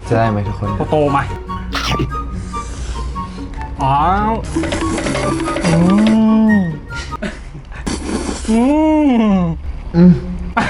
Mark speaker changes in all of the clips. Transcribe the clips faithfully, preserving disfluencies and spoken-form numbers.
Speaker 1: จะได้ไหมทุกคน
Speaker 2: โตมาอ๋ออืมอืม
Speaker 1: อืม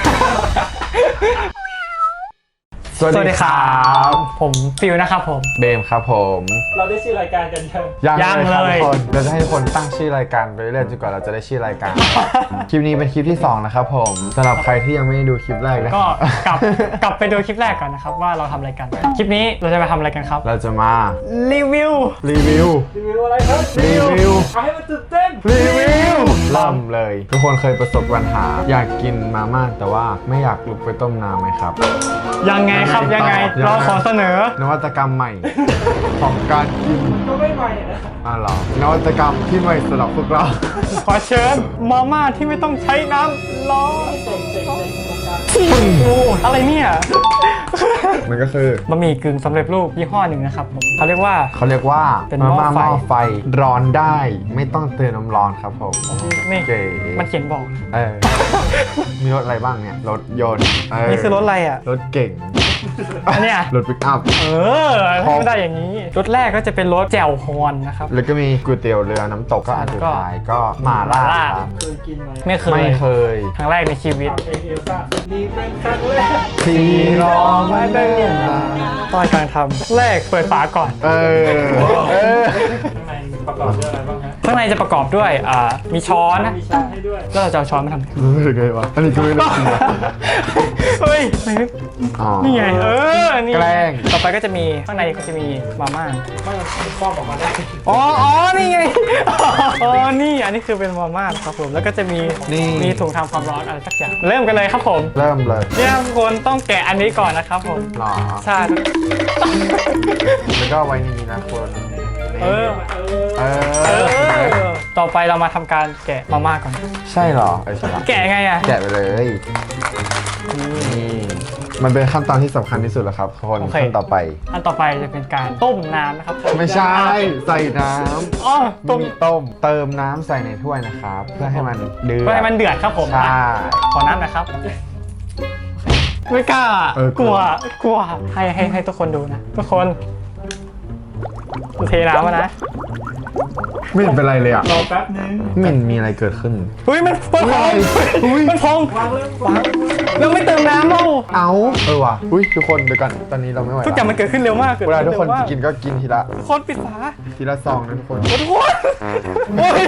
Speaker 1: สวัส
Speaker 2: สวัส
Speaker 1: ดี
Speaker 2: ดี
Speaker 1: ค
Speaker 2: ค
Speaker 1: รั
Speaker 2: รับ บผมฟิวนะครับผม
Speaker 1: เบมครับผม
Speaker 3: เราได้ชื่อรายการกันยัง
Speaker 1: ยัง
Speaker 2: ยัง
Speaker 1: เลยครับ
Speaker 2: เลย
Speaker 1: ทุกคนเราจะให้ทุกคนตั้งชื่อรายการไปเรื่อยๆจนกว่าเราจะได้ชื่อรายการ คลิปนี้เป็นคลิปที่สองนะครับผมสำหรับใครที่ยังไม่ได้ดูคลิปแรกนะ
Speaker 2: ก็กลับกลับไปดูคลิปแรกก่อนนะครับว่าเราทำอะไรกัน คลิปนี้เราจะมาทำอะไรกันครับ
Speaker 1: เราจะมา
Speaker 2: รีวิว
Speaker 1: รีวิว
Speaker 3: รีวิวอะไรครับ
Speaker 1: รีวิว
Speaker 3: เอาให้มันตื่นเต้น
Speaker 1: รีวิวเริ่มเลย ทุกคนเคยประสบปัญหา อยากกินมาม่าแต่ว่าไม่อยากลุกไปต้มน้ำไหมครับ
Speaker 2: ยังไงครับยังไง
Speaker 1: ยังไง
Speaker 2: เราขอเสนอ
Speaker 1: นวัตกรรมใหม่ ของการกิน
Speaker 3: ก็ไม่ใหม่นะ
Speaker 1: อ่ะเหรอนวัตกรรมที่ใหม่สำหรับพวกเรา
Speaker 2: ขอเชิญมาม่าที่ไม่ต้องใช้น้ำร้อน
Speaker 3: เจ๋งเจ๋งเจ๋งโครงการ
Speaker 2: โอ้อะไรเนี่ย
Speaker 1: มันก็คือบ
Speaker 2: ะหมี่กึ่งสำเร็จรูปยี่ห้อหนึ่งนะครับผมเขาเรียกว่า
Speaker 1: เขาเรียกว่า
Speaker 2: เป็น
Speaker 1: มา
Speaker 2: หม้อ
Speaker 1: ม่า
Speaker 2: ไฟ
Speaker 1: หม้อไฟร้อนได้ ไม่ต้องเตือนน้ำร้อนครับผม
Speaker 2: นี่
Speaker 1: เก๋
Speaker 2: มันเขียนบอก
Speaker 1: เออ มีรถอะไรบ้างเนี่ย รถยนต์เ
Speaker 2: นี่คือรถอะไรอ่ะ
Speaker 1: รถเก่ง
Speaker 2: อันเนี้ย
Speaker 1: รถปิกอัพ
Speaker 2: เออไม่ได้อย่างนี้ รถแรกก็จะเป็นรถแจ่วฮอนนะครับ
Speaker 1: แล้วก็มีก๋วยเตี๋ยวเรือน้ำตกก็อันสุดท้ายก็หมาล่าครับ
Speaker 3: เคยกินไหม
Speaker 2: ไม่เคย
Speaker 1: ไม่เคย
Speaker 2: ครั้งแรกในชีวิต
Speaker 3: ทำเองเอลซ่านี่เป็นครั้งแรก
Speaker 1: ที่รอมาเดินมา
Speaker 2: ตอนกำลังทำแรกเปิดฝาก่อน
Speaker 1: เออ เออ
Speaker 3: ข้างในประกอบด้วยอะไรบ้างฮะ
Speaker 2: ข้างในจะประกอบด้วยอ่ามีช้อนนะ
Speaker 3: มีชาให้ด้วย
Speaker 2: แล้วเราจะเอาช้อนมาทำไม
Speaker 1: รู้สึกไงวะ อันนี้ก็ไม่รู้จริงนะ
Speaker 2: เฮ้ยไม่
Speaker 1: อ๋อ
Speaker 2: นี่ไงเออนี่
Speaker 1: แกล้ง
Speaker 2: ต่อไปก็จะมีข้างในก็จะมีมาม่า
Speaker 3: ไม่มันครอบออกมาได้
Speaker 2: อ๋ออ๋อนี่ไงอ๋อนี่อันนี้คือเป็นมาม่าครับผมแล้วก็จะมี
Speaker 1: นี่
Speaker 2: มีถุงทำความร้อนอะไรสักอย่างเริ่มกันเลยครับผม
Speaker 1: เริ่มเลย
Speaker 2: เนี่ยทุกคนต้องแกะอันนี้ก่อนนะครับผม
Speaker 1: หรอ
Speaker 2: ใช่
Speaker 1: แล้วก็ไว้นี่นะคน
Speaker 2: เออ
Speaker 3: เออ
Speaker 1: เอ
Speaker 2: เอ
Speaker 1: อ
Speaker 2: อต่อไปเรามาทำการแกะมาม่าก่อน
Speaker 1: ใช่เหรอเออใช่ละ
Speaker 2: แกะไงอ่ะ
Speaker 1: แกะไปเลย นี่มันเป็นขั้นตอนที่สำคัญที่สุดแล้วครับคน
Speaker 2: โอเค
Speaker 1: ขั้นต่อไป
Speaker 2: อันต่อไปจะเป็นการต้มน้ำนะครับ
Speaker 1: ไม่ใช่ใส่น้
Speaker 2: อ๋อ
Speaker 1: ำ
Speaker 2: ต้ม
Speaker 1: มีต้ม เติมน้ำใส่ในถ้วยนะครับ เพื่อให้มันเดือด
Speaker 2: เพื่อให้มันเดือดครับผม
Speaker 1: ใช่
Speaker 2: ขอน้ำหนะครับ ไม่กล้า
Speaker 1: เออก กลั
Speaker 2: ลัว
Speaker 1: ว
Speaker 2: กลัวให้ให้ให้ทุกคนดูนะทุกคนเทน้ำมานะ
Speaker 1: ไม่เห็นเป็นไรเลยอ่ะ
Speaker 3: รอแป๊บนึง
Speaker 1: ไม่เห็นมีอะไรเกิดขึ้น
Speaker 2: เฮ้ยมันมันพอง
Speaker 1: อุ๊ย
Speaker 2: มันพอง
Speaker 3: วางเลยวาง
Speaker 2: แล้วไม่เติมน้ำเล่า
Speaker 1: เอาเออว่ะอุ้ยทุกคนเดี๋ยวก่อนตอนนี้เราไม่ไหว
Speaker 2: ทุกอย่างมันเกิดขึ้นเร็วมากเกิด
Speaker 1: เวลา
Speaker 2: ขึ้น
Speaker 1: ทุกคน
Speaker 2: เร็วมาก
Speaker 1: จะกินก็กินทีละ
Speaker 2: ทุกคนปิดฝา
Speaker 1: ทีละซองนะทุกคน
Speaker 2: โอ้ทุกคนโอ้ย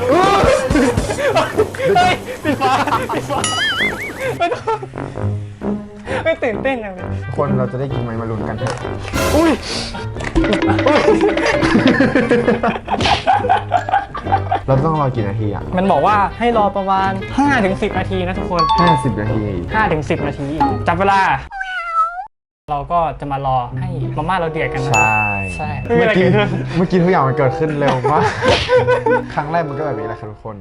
Speaker 2: เฮ้ยปิดฝาปิดฝาไม่ต้องไม่ตื่นเต้นอย่างเลย
Speaker 1: ทุกคนเราจะได้กินไหมมาลุ้นกันเถอะ
Speaker 2: อุ้ย
Speaker 1: เราต้องรอกี่นาทีอ่ะ
Speaker 2: มันบอกว่าให้รอประมาณ ห้าถึงสิบ นาทีนะทุกคน
Speaker 1: ห้าสิบนาที
Speaker 2: ห้าถึงสิบ นาที จับเวลา เราก็จะมารอให้มาม่าเราเดือดกันนะ
Speaker 1: ใช่
Speaker 2: ใช่
Speaker 1: เมื่อกี้
Speaker 2: ไม่มีอะไรเกิดขึ้น
Speaker 1: เมื่อกี้ทุกอย่างมันเกิดขึ้นเร็วมาก ครั้งแรกมันก็แบบนี้แหละครับทุกคน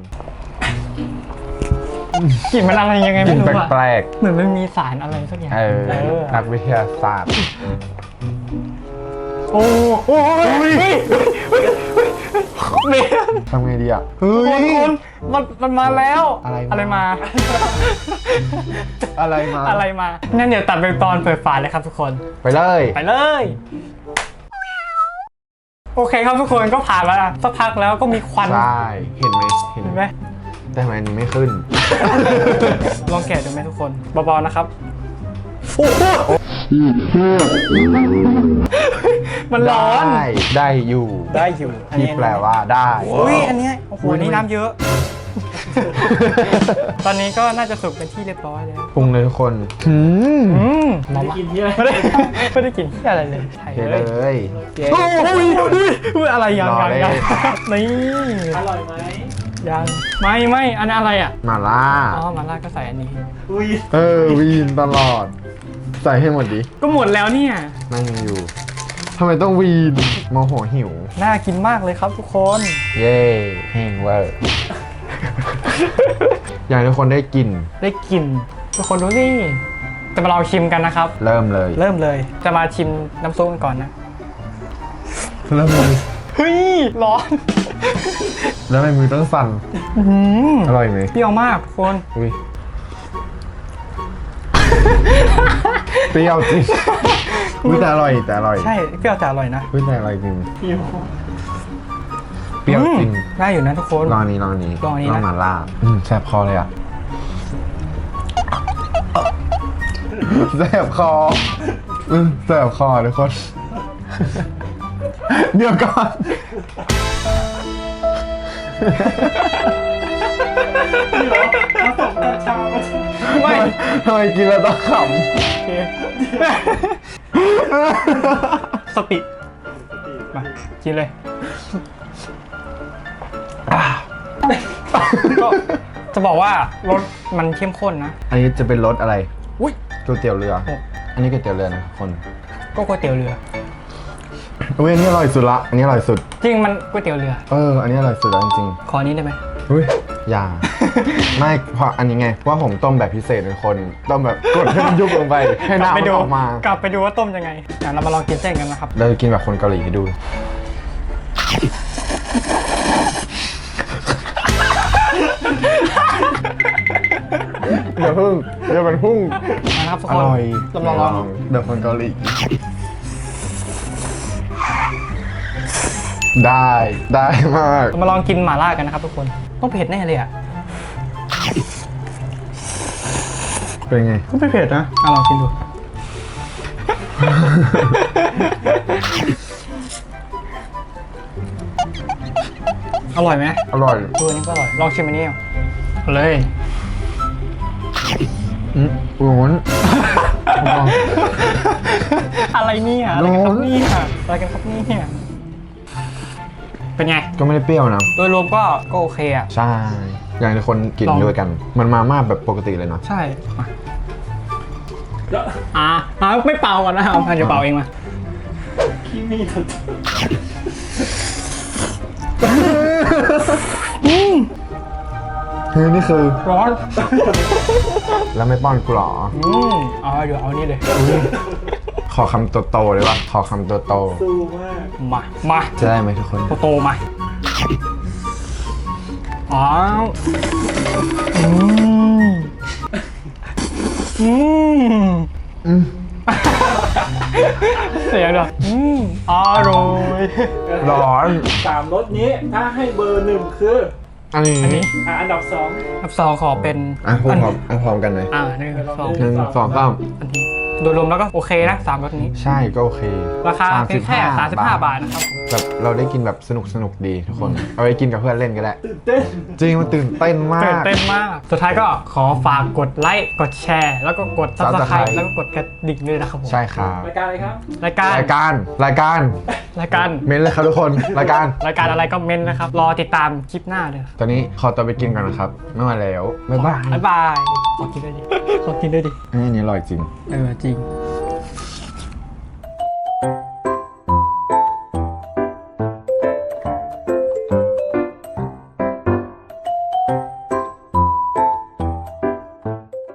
Speaker 2: กลิ่นมันอะไรยังไง
Speaker 1: กลิ่
Speaker 2: ไม่
Speaker 1: น
Speaker 2: รู้อะ
Speaker 1: แปลก
Speaker 2: เหมือนมันมีสารอะไรสักอย่าง
Speaker 1: ๆเออ
Speaker 2: เออ
Speaker 1: นักวิทยาศาสตร์
Speaker 2: โอ้โหเฮ้ยเฮ้ยเฮ้ย
Speaker 1: ทำไงดีอ่ะ เฮ้
Speaker 2: คุณ
Speaker 1: ย
Speaker 2: คุณมันมันมาแล้ว
Speaker 1: อะไรมา
Speaker 2: อะไรมา
Speaker 1: อะไรมา
Speaker 2: อะไรมางั้นเดี๋ยวตัดไปตอนเปิดฝาเลยครับทุกคน
Speaker 1: ไปเลย
Speaker 2: ไปเลย โอเคครับทุกคนก็ผ่านมาสักพักแล้วก็มีควัน
Speaker 1: ใช่ เห็นไหมเห็น
Speaker 2: เห็น
Speaker 1: ไห
Speaker 2: ไห
Speaker 1: ม
Speaker 2: ม
Speaker 1: แต่ทำไมอันนี้ไม่ขึ้น
Speaker 2: ลองแกะดูไหมทุกคนเบาๆนะครับโอ้โหมันร้อน
Speaker 1: ได้ ได้อยู่
Speaker 2: ได้อยู่
Speaker 1: ที่แปลว่าได้
Speaker 2: อุ้ยอันเนี้ยโอ้โหอันนี่น้ำเยอะ ตอนนี้ก็น่าจะสุกเป็นที่เรียบร้อยแล้ว
Speaker 1: ปรุงเลยทุกคนหืม
Speaker 2: อืม
Speaker 3: ไม่ได้กินที่อะไร
Speaker 2: ไม่ได้ไม่ได้กินที่อะไรเลยใช่
Speaker 1: เท
Speaker 2: เล
Speaker 1: เลย ย
Speaker 2: โอ้ยอุ้ยอุ้ยอะไรยัง
Speaker 1: รอ
Speaker 2: ยัง
Speaker 1: เลย
Speaker 2: ยังนี่
Speaker 3: อร่อยไหม
Speaker 2: ยังไม่ไม่อันนั้นอะไรอ่ะ
Speaker 1: มาล่า
Speaker 2: อ๋อมาล่าก็ใส่อันนี้
Speaker 3: อุ้ย
Speaker 1: เออ วีนตลอด ใส่ให้หมดดิ
Speaker 2: ก็หมดแล้วเนี่ย
Speaker 1: นั่งยังอยู่ ทำไมต้องวีนโมโหหิว
Speaker 2: น่ากินมากเลยครับทุกคน
Speaker 1: เย่แห้งเวอร์ อยากให้ทุกคนได้กิน
Speaker 2: ได้กินทุกคนดูนี่จะมาลองชิมกันนะครับ
Speaker 1: เริ่มเลย
Speaker 2: เริ่มเลยจะมาชิมน้ำซุปกันก่อนนะ
Speaker 1: เริ่มเลย
Speaker 2: เฮ้ยร้อน
Speaker 1: แล้วทำไมมือต้องสั่น
Speaker 2: อื้อหือ
Speaker 1: อร่อยไหม
Speaker 2: เปรี้ยวมากทุกคน
Speaker 1: อุ้ย เปรี้ยวจริงอุ๊ยแต่อร่อยแต่อร่อย
Speaker 2: ใช่เปรี้ยวแต่อร่อยนะ
Speaker 1: อุ๊ยแต่อร่อยจริง
Speaker 3: พี่โม
Speaker 1: เปรี้ยวจริง
Speaker 2: อืมได้อยู่นะทุกคน
Speaker 1: ลองอันนี้ลองอันนี้
Speaker 2: ลองอันนี้นะ
Speaker 1: ลองหมาล่าอืมแซ่บคอเลยอ่ะแซ่บคออืมแซ่บคอทุกคน เดี๋ยวก่อน
Speaker 3: พี่เหรอผสมกัญชาผสม
Speaker 2: ไม่
Speaker 1: ทำไมกินแล้วต้องข
Speaker 2: โอเคสติมากินเลยอ่ะก็จะบอกว่ารสมันเข้มข้นนะ
Speaker 1: ำอันนี้จะเป็นรสอะไร
Speaker 2: อุ้ย
Speaker 1: ก๋วยเตี๋ยวเรือ
Speaker 2: โอ้
Speaker 1: อันนี้ก๋วยเตี๋ยวเรือนะคน
Speaker 2: ก็ก๋วยเตี๋ยวเรือ
Speaker 1: อุ้ยอันนี้อร่อยสุดละ อันนี้อร่อยสุด
Speaker 2: จริงมันก๋วยเตี๋ยวเรือ
Speaker 1: เออ อันนี้อร่อยสุดแล้วจริง
Speaker 2: ขออันนี้ได้ไหม
Speaker 1: ๆอุ้ยอย่า ไม่เพราะอันนี้ไงเพราะว่าผมต้มแบบพิเศษเป็นคน ต้มแบบกดให้มันยุบลงไป ให้
Speaker 2: กลับ
Speaker 1: น้ำ
Speaker 2: ไป
Speaker 1: มัน
Speaker 2: ดู
Speaker 1: ออกมา
Speaker 2: กลับไปดูว่าต้มยังไงเดี๋ยวเรามาลองกินเส้นกันนะครับ
Speaker 1: เราจะกินแบบคนเกาหลีให้ดู อย่าพึ่งอย่าเป็นพุ่ง
Speaker 2: นะครับทุก
Speaker 1: อ
Speaker 2: คน
Speaker 1: ร่อย
Speaker 2: ลองลองลอง
Speaker 1: แบบคนเกาหลี ได้ได้มาก
Speaker 2: เรามาลองกินหม่าล่ากันนะครับทุกคนต้องเผ็ดแน่เลยอ่ะ
Speaker 1: เป็นไง
Speaker 2: ก็ไม่เผ็ดนะอ่ะลองกินดู อร่อยไหม
Speaker 1: อร่อย
Speaker 2: ตัวนี้ก็อร่อย ลองชิมอันนี้เอาเลย
Speaker 1: อืมร้อน
Speaker 2: อะไรเนี่ยอะไรกันครับเนี่ยอะไรกันครับเนี่ยเป็นไง
Speaker 1: ก็ไม่ได้เปรี้ยวนะ
Speaker 2: โดยรวมก็ก็โอเคอ่ะ
Speaker 1: ใช่ อย่างที่คนกิน
Speaker 2: ลอง
Speaker 1: ด้วยกัน มันมาม่าแบบปกติเลยเนาะ
Speaker 2: ใช่มาอ่าอ่าไม่เป่าก่อนนะเอาพันจะเป่าเองมา
Speaker 3: ขี้มีด
Speaker 2: อืม
Speaker 1: เฮ้ยนี่คือ
Speaker 2: ร้อน
Speaker 1: แล้วไม่ป้อนกูหรอ
Speaker 2: อืมเอาเดี๋ยวเอานี่เลย
Speaker 1: ขอคำโตๆเลยว่ะขอคำโต
Speaker 3: สู้มาก
Speaker 2: มา มา
Speaker 1: ๆจะได้ไหมทุกคน
Speaker 2: โตโตๆมาอ๋ออืมอืม
Speaker 1: อืม
Speaker 2: เสียงด้วยอืมอร่อย
Speaker 1: ร้อน
Speaker 3: สามรสนี้ถ้าให้เบอร์หนึ่งคือ
Speaker 1: อันนี้
Speaker 2: อันนี้
Speaker 3: อ่ะอันดับสอง
Speaker 2: อันสองขอเป็น
Speaker 1: อ่ะพร้อมๆอ่ะพร้อมกันเลย
Speaker 2: อ่าหนึ่งสอง
Speaker 1: หนึ่งสองสาม
Speaker 2: อันนี้โดยรวมแล้วก็โอเคนะสามรสนี้
Speaker 1: ใช่ก็โอเค
Speaker 2: ราคาเพียงแค่สามสิบห้าบาทนะครับ
Speaker 1: แบบเราได้กินแบบสนุกสนุกๆดีทุกคน เอาไปกินกับเพื่อนเล่นก็ได้
Speaker 3: ตื่นเต้น
Speaker 1: จริงมันตื่นเต้นมา
Speaker 2: ตื่น
Speaker 1: ก
Speaker 2: เต้นมาก สุดท้ายก็ขอฝากกดไลค์กดแชร์ แล้วก็กด ซับสไคร
Speaker 1: Subscribe
Speaker 2: ต์แล้วก็กดกระดิ่งด้วยนะครับผม
Speaker 1: ใช่ครับ
Speaker 3: รายการอะไรครับ
Speaker 2: รายการ
Speaker 1: รายการรายการ
Speaker 2: รายการ
Speaker 1: เม้นเลยครับทุกคนรายการ
Speaker 2: รายการอะไรก็เมนนะครับ รอติดตามคลิปหน้าเลย
Speaker 1: ตอนนี้ขอตัวไปกินก่อนนะครับ ไม่ไหวแล้วบ๊ายบาย
Speaker 2: บ๊ายบาย ขอกินด้วยดิ ขอกินด้วยดิ
Speaker 1: อันนี้อร่อยจริง
Speaker 2: เออจริง